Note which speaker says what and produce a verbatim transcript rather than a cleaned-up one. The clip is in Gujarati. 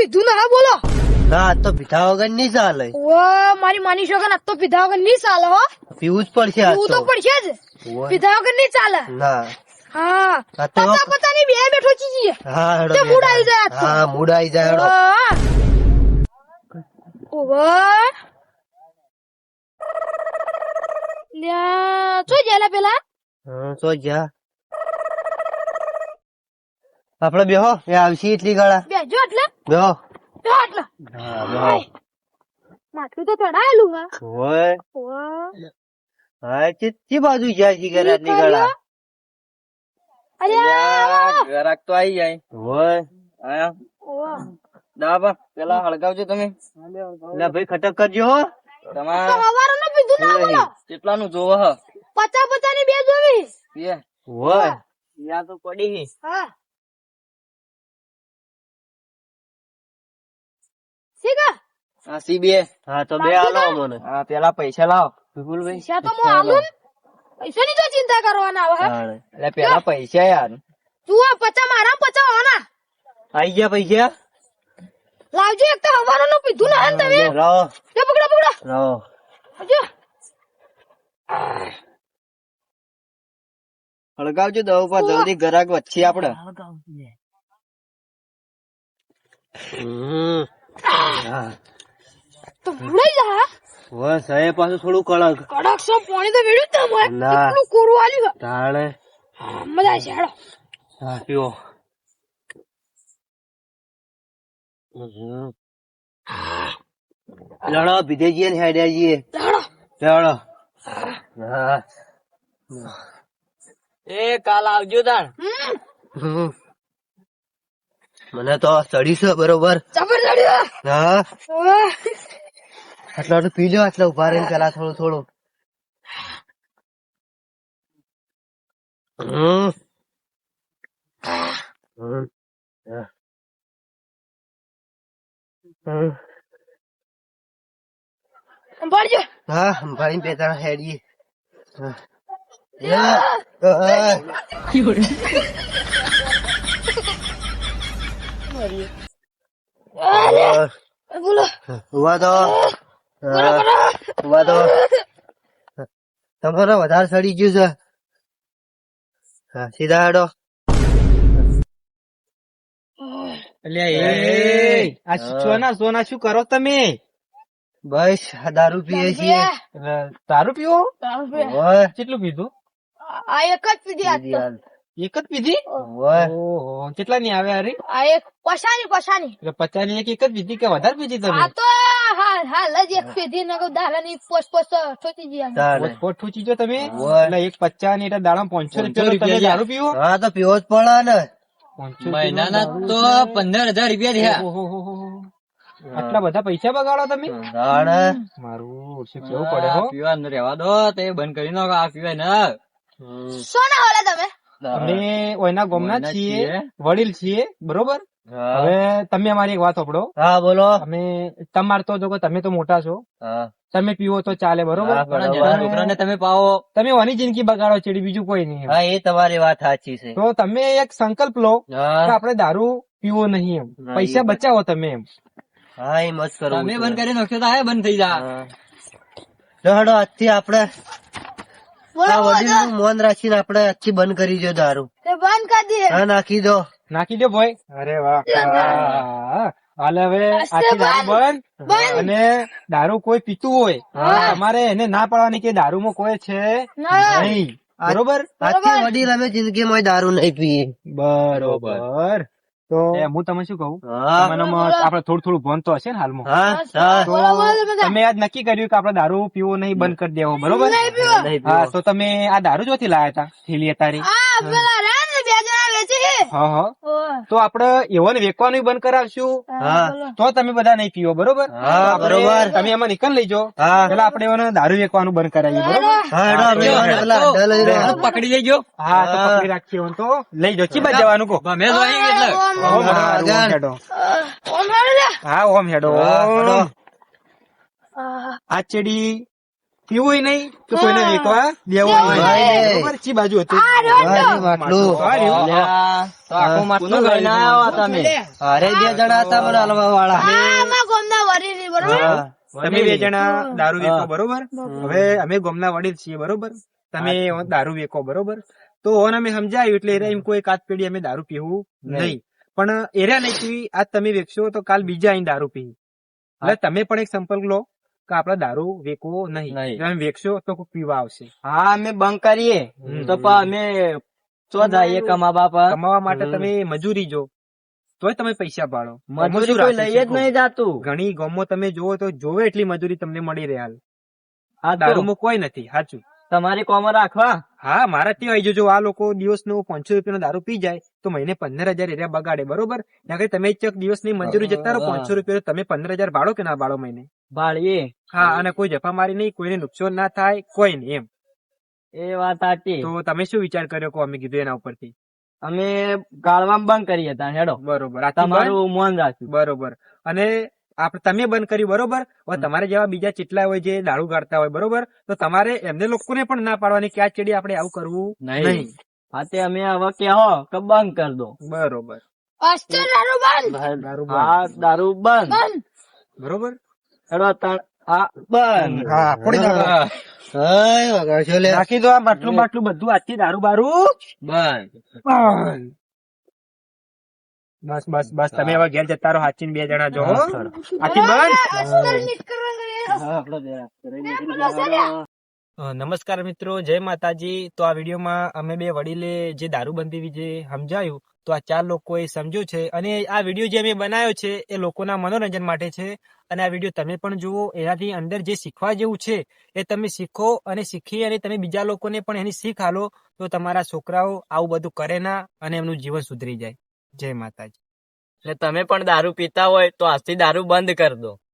Speaker 1: પીધું ના બોલો.
Speaker 2: ના તો પીધા વગર નહીં ચાલે.
Speaker 1: ઓ મારી માની છોકરા આજ તો પીધા વગર નહીં ચાલે હો.
Speaker 2: પીવું જ પડશે આજ
Speaker 1: પીવું
Speaker 2: તો.
Speaker 1: તો પડશે જ.
Speaker 2: ઓય.
Speaker 1: પીધા વગર નહીં ચાલે.
Speaker 2: ના
Speaker 1: હા
Speaker 2: આ તો
Speaker 1: પતા પતા ની બે બેઠો ચીજી.
Speaker 2: હા હેડો
Speaker 1: તે મૂડ આવી જાય આજ તો.
Speaker 2: હા મૂડ આવી જાય હેડો.
Speaker 1: ઓવા લ્યા શું જેલા પેલા
Speaker 2: હા તો જા આપડે બેહો એ આવશે એટલી ગાળા
Speaker 1: બેજો એટલે
Speaker 2: બેહો.
Speaker 1: બેહો એટલે
Speaker 2: હા બેહો.
Speaker 1: માથું તો ચડાયેલું હા.
Speaker 2: ઓય
Speaker 1: ઓવા
Speaker 2: હા ચી બાજુ જાય છે ઘરે આટલી ગાળા.
Speaker 1: અરે આવો.
Speaker 3: ગ્રાહક તો આવી જાય.
Speaker 2: ઓય
Speaker 3: આયા
Speaker 1: ઓવા
Speaker 3: દાબા પેલા હળગાવજો તમે.
Speaker 2: લે ભાઈ ખટક કરજો હો.
Speaker 1: તો
Speaker 3: તમારે
Speaker 1: હવારનું પીધું ના બોલો.
Speaker 3: કેટલાનું જોવો હ
Speaker 1: પચા પચા ની બે જોવી.
Speaker 3: બે
Speaker 2: ઓય
Speaker 3: યા તો પડી
Speaker 1: હા સીગા
Speaker 3: આ સી બે.
Speaker 2: હા તો બે આલો મને.
Speaker 3: હા પેલા પૈસા લાવો.
Speaker 2: વિપુલભાઈ
Speaker 1: પૈસા તો હું આલું ને. પૈસાની તો ચિંતા કરવાના આવે હા.
Speaker 2: તાણે.
Speaker 3: એટલે પેલા પૈસા યાર.
Speaker 1: જુઓ પચા મારા પચા હોના
Speaker 2: આઈ ગયા પૈસા.
Speaker 1: લાવજો એક તો હવારનું પીધું ના હે ને તમે.
Speaker 2: રહો
Speaker 1: લે પકડો પકડો
Speaker 2: રહો.
Speaker 1: આવજો.
Speaker 3: હળગાવજો દવ પર જલ્દી ગ્રાહક વચ્ચે આપડે.
Speaker 2: હમ. હા
Speaker 1: તો ભૂલાઈ જા હા.
Speaker 2: ઓય સાહેબ પાછું થોડું કડક.
Speaker 1: કડક સો પાણી તો વેડ્યું તમે
Speaker 2: ના.
Speaker 1: એટલું કોરું આલ્યું
Speaker 2: તાણે
Speaker 1: હા મજા આવશે હેડો.
Speaker 2: હા પીવો. હમ. લડો ભીધેજીએ ને હેડ્યાજીએ
Speaker 1: હેડો
Speaker 2: લડો. હા
Speaker 3: એ કાલ આવજો તાણ.
Speaker 1: હમ
Speaker 2: હમ. મને તો ચડી છે બરોબર.
Speaker 1: જબર ચડ્યો.
Speaker 2: હા
Speaker 1: ઓહ.
Speaker 2: આટલા તો પી લો આટલા ઉભા રહીને પેલા થોડું થોડું. હમ. હમ. હા. હમ.
Speaker 1: સંભાળજો.
Speaker 2: હા ભાઈ બે ત્રણ હેડીએ. હા. યા.
Speaker 1: અરે
Speaker 2: હા.
Speaker 1: બોલો
Speaker 2: ઉભા તો. હા. ઉભા તો. તમારે વધારે સડી ગયું છે. હા સીધા હેડો.
Speaker 3: એટલે એ આ સોના સોના શું કરો તમે?
Speaker 2: બસ આ દારૂ પીએ છીએ.
Speaker 3: દારૂ પીવો?
Speaker 2: ઓય
Speaker 3: કેટલું પીધું?
Speaker 1: આ એક જ પીધી આજ તો.
Speaker 3: એક જ પીધી?
Speaker 2: ઓય
Speaker 3: ઓહો કેટલા ની આવે અરે?
Speaker 1: આ એક પસાની પસાની
Speaker 3: એટલે પચાસ ની એક એક જ પીધી કે વધારે પીધી તમે?
Speaker 1: આ તો હાલ હાલ જ એક પીધી ને દાડા ની પોસ પોસ ઠોકી જી
Speaker 2: ચાલે.
Speaker 3: પોટ પોટ ઠૂચી જો તમે?
Speaker 2: ઓય.
Speaker 3: એટલે એક પચાસ ની એટલે દાડા પાંચસો રૂપિયા તમે દારૂ પીવો?
Speaker 2: હા તો પીવો જ પડે ને.
Speaker 3: પાંચસો મહિનાના તો પંદર હજાર રૂપિયા થયા. આટલા બધા પૈસા બગાડો તમે?
Speaker 2: દાડે.
Speaker 3: મારું શું કેવું પડે હો? પીવા રહેવા દો તે બંધ કરી નાખો આ પીવાય ને.
Speaker 2: હમ.
Speaker 1: સોના હોલે તમે
Speaker 3: અમે ઓયના ગામના છીએ, વડીલ છીએ, બરોબર?
Speaker 2: હા.
Speaker 3: હવે તમે અમારી એક વાત સાંભળો.
Speaker 2: હા બોલો.
Speaker 3: અમે તમાર તો જો તમે તો મોટા છો,
Speaker 2: હા
Speaker 3: તમે પીવો તો ચાલે, બરોબર?
Speaker 2: હા, બરોબર.
Speaker 3: છોકરાને તમે પાવો, તમે ઓની જિંદગી બગાડો ચડી, બીજું કોઈ નહીં.
Speaker 2: હા એ તમારી વાત સાચી છે.
Speaker 3: તો તમે એક સંકલ્પ લો કે
Speaker 2: હા
Speaker 3: આપણે દારૂ પીવો નહીં, એમ
Speaker 2: હા,
Speaker 3: પૈસા
Speaker 2: એ
Speaker 3: બચાવો તમે એમ.
Speaker 2: હા એ મત કરવું.
Speaker 3: તમે બંધ કરી નાખશો તો આ બંધ થઈ જાય.
Speaker 2: હેડો આજથી આપડે
Speaker 1: બોલો
Speaker 2: આ
Speaker 1: બોલો
Speaker 2: વડીલનું મોન રાખીને આપડે આજથી બંધ કરી દો દારૂ.
Speaker 1: તે બંધ કરી દે
Speaker 2: હા નાખી દો.
Speaker 3: નાખી દો ભાઈ. અરે વાહ, હાલ હવે આખી દારૂ બંધ. અને દારૂ કોઈ પીતું હોય
Speaker 2: હા.
Speaker 3: તમારે એને ના પાડવાની કે દારૂમાં કોઈ છે
Speaker 1: ના.
Speaker 3: નહીં, બરોબર?
Speaker 2: આજથી વડીલ અમે જિંદગીમાં દારૂ નહીં પીએ.
Speaker 3: બરોબર. તો હું તમે શું કહું,
Speaker 2: હા
Speaker 3: તમને આપડે થોડું થોડું ભણ તો હશે ને હાલમાં?
Speaker 2: હા હા
Speaker 3: તો
Speaker 1: બોલો, બોલો, બધા.
Speaker 3: તમે આજ નક્કી કર્યું કે આપડે દારૂ પીવો નહીં, બંધ કરી દેવો, બરોબર?
Speaker 1: નહીં પીવો.
Speaker 2: નહીં
Speaker 3: હા
Speaker 2: પીવો.
Speaker 3: તો તમે આ દારૂ જોથી લાયા હતા થેલી અતારી?
Speaker 1: આ પેલા રે ને બે જણા વેચે છે
Speaker 3: હા હા.
Speaker 1: ઓહ.
Speaker 3: તો આપડે એવોને વેચવાનું બંધ કરાવશું
Speaker 2: હા.
Speaker 1: બોલો.
Speaker 3: તો તમે બધા નહીં પીવો, બરોબર?
Speaker 2: હા,
Speaker 3: તો આપણે-
Speaker 2: બરોબર.
Speaker 3: તમે એમાં નીકળ લેજો.
Speaker 2: હા.
Speaker 3: પેલા આપણે એઓને દારૂ વેચવાનું બંધ કરાવીએ, બરોબર?
Speaker 2: હા હેડો અમે એવાને પેલા અડ્ડા લઈ રહ્યો.
Speaker 3: પકડી લેજો. હા તો
Speaker 2: હા.
Speaker 3: પકડી રાખીએ એમ તો લઈ જાઓ. ચી બાજુ જવાનું કહો?
Speaker 1: ઓમ,
Speaker 3: ઓમ
Speaker 2: આગળ.
Speaker 3: હેડો.
Speaker 1: ઓમ હેડો લે.
Speaker 3: હા ઓમ હેડો.
Speaker 2: હા, હેડો.
Speaker 1: આ
Speaker 3: આ ચેડી પીવું નહીં તો કોઈને વેચવા દેવું
Speaker 1: દેવું
Speaker 3: નહીં.
Speaker 2: નહીં.
Speaker 3: બરોબર? ચી બાજુ હતું
Speaker 1: આ રહ્યો તો.
Speaker 2: વારી માટલું.
Speaker 3: આ રહ્યું.
Speaker 4: તો આખું માટલું લઈને આવ્યા તમે.
Speaker 2: અરે બે જણા હતા મને હલવા વાળા
Speaker 1: આ અમારા ગામના વડીલ છે, બરોબર?
Speaker 3: તમે બે જણા દારૂ વેચો બરોબર. હવે અમે ગોમના વડીલ છીએ બરોબર. તમે દારૂ વેચો બરોબર. તો ઓન અમે સમજાયું એટલે એરા એમ કોઈ કાચ પેઢી અમે દારૂ પીવું નહીં. પણ એરા નહીં પીવી આજ તમે વેચશો તો કાલ બીજા અહીં દારૂ પી. એટલે તમે પણ એક સંપર્ક લો કે આપડે દારૂ વેચવો નહીં.
Speaker 4: નહીં.
Speaker 3: તમે વેચશો તો કોઈ પીવા આવશે.
Speaker 4: હા અમે બંધ કરીએ
Speaker 3: હમ.
Speaker 4: તો પણ અમે ચો જઈએ કમાવા પર.
Speaker 3: કમાવા માટે તમે મજૂરી જો તોય તમે પૈસા પાડો.
Speaker 4: મજૂરી કોઈ લઈ જ નહીં જાતું.
Speaker 3: ઘણી ગામમાં તમે જોવો તો જોવે એટલી મજૂરી તમને મળી રહે હાલ.
Speaker 4: આ તો
Speaker 3: દારૂમાં કોઈ નથી સાચું.
Speaker 4: તમારી કોમર રાખવા.
Speaker 3: હા મારા ત્યાં આવી જજો. આ લોકો દિવસ નો પાંચસો રૂપિયા દારૂ પી જાય તો મહિને પંદર હજાર એરિયા બગાડે બરોબર. ત્યાં કઈ તમે ચક દિવસ ની મંજૂરી જતા રહો પાંચસો રૂપિયા તમે પંદર હજાર ભાડો કે ના ભાડો મહિને.
Speaker 4: ભાળીએ.
Speaker 3: હા અને કોઈ જફા મારી નહીં, કોઈને નુકસાન ના થાય, કોઈ નહીં એમ.
Speaker 4: એ વાત સાચી.
Speaker 3: તો તમે શું વિચાર કર્યો કો અમે કીધું એના ઉપરથી?
Speaker 4: અમે ગાળવામાં બંધ કરીએ ત્યાં હેડો.
Speaker 3: બરોબર. આથી બંધ?
Speaker 4: તમારું મન રાખ્યું.
Speaker 3: બરોબર. અને આપણે તમે બંધ કર્યું બરોબર. હવે તમારે જેવા બીજા ચેટલા હોય જે દારૂ ગાળતા હોય બરોબર, તો તમારે એમને લોકોને પણ ના પાડવાની કે આ ચેડી આપણે આવું કરવું નહીં.
Speaker 4: હા તે અમે હવે કહો કે બંધ કરી દો.
Speaker 3: બરોબર.
Speaker 1: અસ્તર દારૂ બંધ.
Speaker 3: દારૂ
Speaker 4: હા
Speaker 3: બંધ.
Speaker 4: દારૂ બંધ.
Speaker 1: બંધ.
Speaker 3: બરોબર.
Speaker 4: હેડો તાણ આ બંધ.
Speaker 3: હા ફોડી નાખો.
Speaker 2: હાય વગાડશો લે
Speaker 3: નાખી દો આ માટલું બાટલું બધું આજથી દારૂ બારૂ
Speaker 4: બંધ.
Speaker 3: બંધ. બસ બસ બસ તમે હવે ઘેર જતા રહો. હાચીને બે જણા જો હો. આથી બંધ.
Speaker 1: અસ્તર નીટ કરવાનું.
Speaker 4: હા, આપણો જરા.
Speaker 3: અ, નમસ્કાર મિત્રો, જય માતાજી. તો આ વિડીયોમાં અમે બે વડીલે જે દારૂબંધી વિશે સમજાયું તો આ ચાર લોકોએ સમજ્યું છે. અને આ વિડીયો જે અમે બનાવ્યો છે એ લોકોના મનોરંજન માટે છે. અને આ વિડીયો તમે પણ જુઓ. એનાથી અંદર જે શીખવા જેવું છે એ તમે શીખો અને શીખી અને તમે બીજા લોકોને પણ એની શીખ આલો તો તમારા છોકરાઓ આવું બધું કરે ના અને એમનું જીવન સુધરી જાય. જય માતાજી.
Speaker 4: એટલે તમે પણ દારૂ પીતા હોય તો આજથી દારૂ બંધ કરી દો.